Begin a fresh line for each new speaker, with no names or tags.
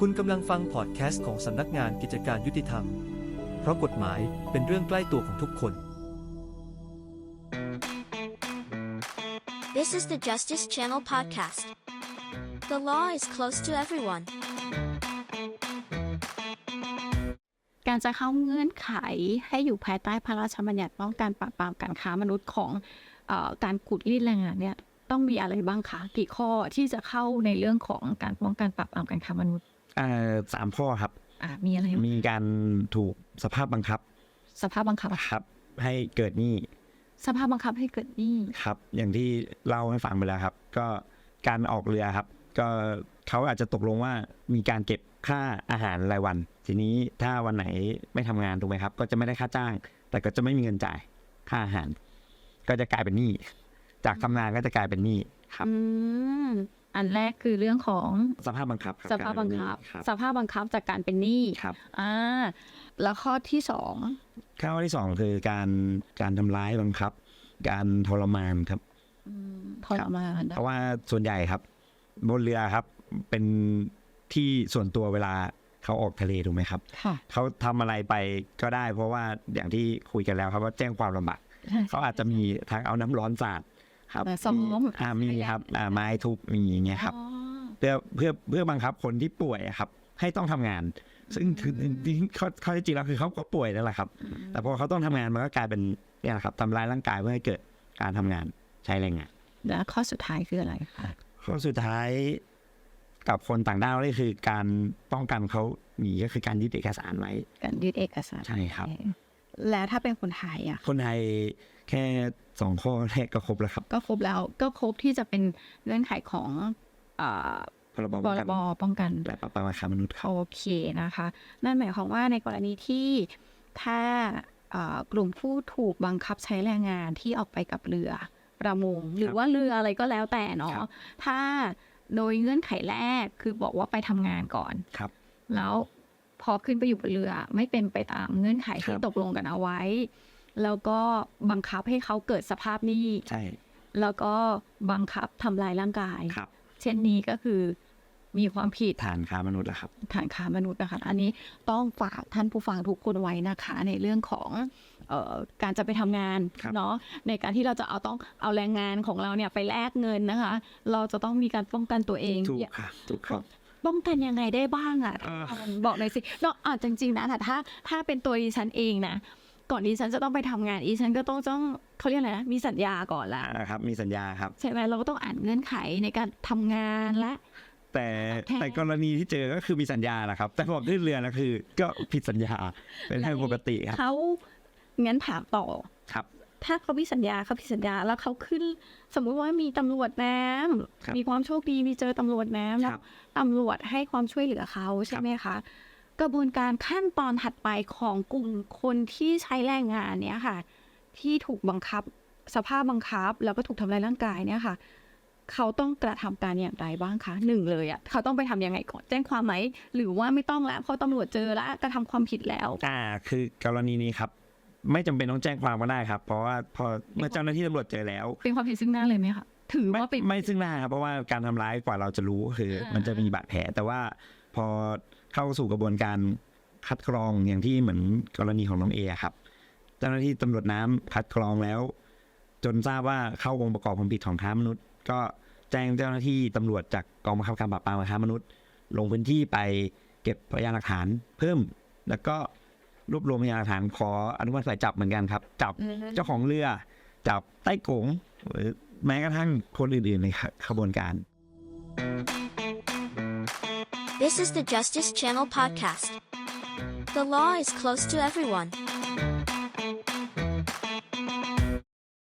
คุณกำลังฟังพอดแคสต์ของสำนักงานกิจการยุติธรรม เพราะกฎหมายเป็นเรื่องใกล้ตัวของทุกคน
This is the Justice Channel podcast. The law is close to everyone.
การจะเข้าเงื่อนไขให้อยู่ภายใต้พระราชบัญญัติป้องกันปราบปรามการค้ามนุษย์ของการขูดรีดแรงงานเนี่ยต้องมีอะไรบ้างคะกี่ข้อที่จะเข้าในเรื่องของการป้องกันปราบปรามการค้ามนุษย์
3 ข้อครับ
มีอะไร
มีการถูกสภาพบังคับครับให้เกิดหนี้
สภาพบังคับให้เกิดหนี้
ครับอย่างที่เล่าให้ฟังไปแล้วครับก็การออกเรือครับก็เขาอาจจะตกลงว่ามีการเก็บค่าอาหารรายวันทีนี้ถ้าวันไหนไม่ทำงานถูกไหมครับก็จะไม่ได้ค่าจ้างแต่ก็จะไม่มีเงินจ่ายค่าอาหารก็จะกลายเป็นหนี้จากทำงานก็จะกลายเป็นหนี้ครับ
อันแรกคือเรื่องของ
สภาพบังคับ
สภาพบังคับจากการเป็นหนี้
ครับ
แล้วข้อที่
2คือการทำร้ายบังคับการทรมานครับ
ทรมาน
เพราะว่าส่วนใหญ่ครับบนเรือครับเป็นที่ส่วนตัวเวลาเขาออกทะเลถูกไหมครับเขาทำอะไรไปก็ได้เพราะว่าอย่างที่คุยกันแล้วครับว่าแจ้งความลำบากเขาอาจจะมีทางเอาน้ำร้อนสาดครับมีครับไม้ทุบมีอย่างเงี้ยครับเพื่อบังคับคนที่ป่วยครับให้ต้องทำงานซึ่งข้อที่จริงแล้วคือเขาก็ป่วยนั่นแหละครับแต่พอเขาต้องทำงานมันก็กลายเป็นเนี่ยครับทำร้ายร่างกายเพื่อให้เกิดการทำงานใช้แรงงาน
แล้วข้อสุดท้ายคืออะไรคะ
ข้อสุดท้ายกับคนต่างด้าวนี่คือการป้องกันเขาหนีก็คือการยึดเอกสารไว้
การยึดเอกสาร
ใช่ครับ
แล้วถ้าเป็นคนไทย
คนไทยแค่2 ข้อแรกก็ครบแล้วครับ
ก็ครบแล้วก็ครบที่จะเป็นเงื่อนไขของ
พรบ
ป้องกัน
และปราบปรามการค้ามนุษย์
โอเคนะคะนั่นหมายความว่าในกรณีที่ถ้ากลุ่มผู้ถูกบังคับใช้แรงงานที่ออกไปกับเรือประมงหรือว่าเรืออะไรก็แล้วแต่เนาะถ้าโดยเงื่อนไขแรกคือบอกว่าไปทำงานก่อนแล้วพอขึ้นไปอยู่บนเรือไม่เป็นไปตามเงื่อนไขที่ตกลงกันเอาไว้แล้วก็บังคับให้เขาเกิดสภาพหนี้แล้วก็บังคับทำลายร่างกายเช่นนี้ก็คือมีความผิด
ฐานค้ามนุษย์แล้วครับ
ฐานค้ามนุษย์นะคะอันนี้ต้องฝากท่านผู้ฟังทุกคนไว้นะคะในเรื่องของการจะไปทำงานเนาะในการที่เราจะต้องเอาแรงงานของเราเนี่ยไปแลกเงินนะคะเราจะต้องมีการป้องกันตัวเอง
ถูกครับ
ป้องกันยังไงได้บ้างบอกหน่อยสิเนาะจริงๆนะถ้าเป็นตัวดิฉันเองนะก่อนดิฉันจะต้องไปทำงานดิฉันก็ต้องเขาเรียกอะไรนะมีสัญญาก่อนละ
ครับมีสัญญาครับ
ใช่ไหมเราก็ต้องอ่านเงื่อนไขในการทำงานและ
แต่กรณีที่เจอก็คือมีสัญญาแหละครับแต่พอขึ้นเรือนะคือก็ผิดสัญญาเป็นเรื่องปกติครับ
เขางั้นถามต่อ
ครับ
ถ้าเขาผิดสัญญาแล้วเขาขึ้นสมมุติว่ามีตำรวจน้ำมีความโชคดีมีเจอตำรวจน้ำแล้วตำรวจให้ความช่วยเหลือเขาใช่ไหมคะกระบวนการขั้นตอนถัดไปของกลุ่มคนที่ใช้แรงงานเนี้ยค่ะที่ถูกบังคับสภาพบังคับแล้วก็ถูกทำลายร่างกายเนี่ยค่ะเขาต้องกระทำการอย่างไรบ้างคะ1เลยเขาต้องไปทำยังไงก่อนแจ้งความไหมหรือว่าไม่ต้องแล้วเพราะตำรวจเจอแล้วกระทำความผิดแล้ว
คือกรณีนี้ครับไม่จำเป็นต้องแจ้งความก็ได้ครับเพราะว่าพอเมื่อเจ้าหน้าที่ตำรวจเจอแล้ว
เป็นความผิดซึ่งหน้าเลยไหมคะถือว่า
ไม่ซึ่งหน้าครับเพราะว่าการทำร้ายกว่าเราจะรู้คือมันจะมีบาดแผลแต่ว่าพอเข้าสู่กระบวนการคัดกรองอย่างที่เหมือนกรณีของน้องเอครับเจ้าหน้าที่ตำรวจน้ำคัดกรองแล้วจนทราบว่าเข้าองค์ประกอบความผิดของค้ามนุษย์ก็แจ้งเจ้าหน้าที่ตำรวจจากกองบังคับการปราบปรามการค้ามนุษย์ลงพื้นที่ไปเก็บพยานหลักฐานเพิ่มแล้วก็รวบรวมพยานหลักฐานขออนุมัติหมายจับเหมือนกันครับจับเจ้าของเรือจับใต้กงหรือแม้กระทั่งคนอื่นๆในขบวนการ
This is the Justice Channel podcast. The law is close to everyone.